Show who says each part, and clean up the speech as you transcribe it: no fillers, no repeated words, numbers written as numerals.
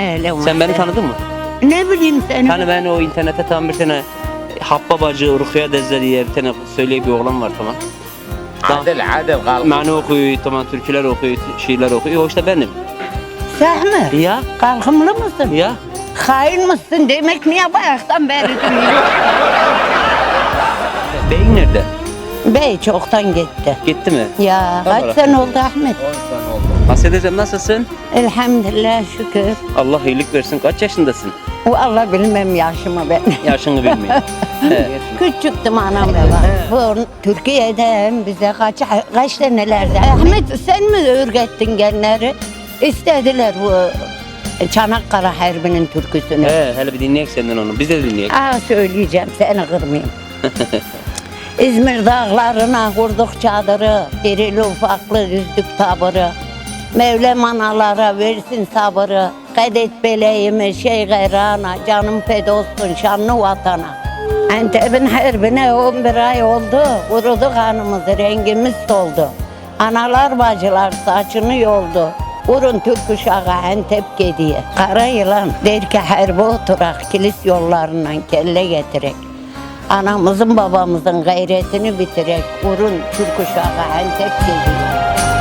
Speaker 1: Öyle
Speaker 2: Sen beni tanıdın mı?
Speaker 1: Ne bileyim seni.
Speaker 2: Hani ben o internette tam bir tane Habba Bacı, Rukiye Dezze diye bir tane söyleyen bir oğlan var tamam.
Speaker 3: Adil kalk.
Speaker 2: Mani okuyor, tamam türküler okuyor, şiirler okuyor. O işte benim.
Speaker 1: Sen mi?
Speaker 2: Ya,
Speaker 1: Kalkımlı mısın?
Speaker 2: ya.
Speaker 1: Hain mısın demek niye bayaktan beri duyuyor?
Speaker 2: Beyin nerede?
Speaker 1: Bey çoktan gitti.
Speaker 2: Gitti mi?
Speaker 1: Ya
Speaker 2: Allah
Speaker 1: kaç sene oldu Ahmet?
Speaker 3: 10 sene oldu.
Speaker 2: Hassedeciğim nasılsın?
Speaker 1: Elhamdülillah şükür.
Speaker 2: Allah iyilik versin. Kaç yaşındasın?
Speaker 1: Vallahi bilmem yaşımı ben.
Speaker 2: Yaşını bilmiyorum. He.
Speaker 1: Küçüktüm anam baba. Bu Türkiye'den bize kaç senelerde. Ahmet sen mi öğrettin genleri? İstediler bu Çanakkale Harbi'nin türküsünü.
Speaker 2: Hele bir dinleyek senden onu. Biz de dinleyek.
Speaker 1: Söyleyeceğim seni kırmayayım. İzmir dağlarına kurduk çadırı, irili ufaklı yüzdük tabırı. Mevlam analara versin sabırı, kadet beleğimi şey gayrana, canım feda olsun şanlı vatana. Antep'in harbine 11 ay oldu, kurudu kanımız, rengimiz soldu. Analar bacılar saçını yoldu, vurun Türk uşağı Antep gediye. Kara yılan der ki harbe oturak, kilis yollarından kelle getirek. Anamızın babamızın gayretini bitirek, vurun Türk uşağı Antep gediye.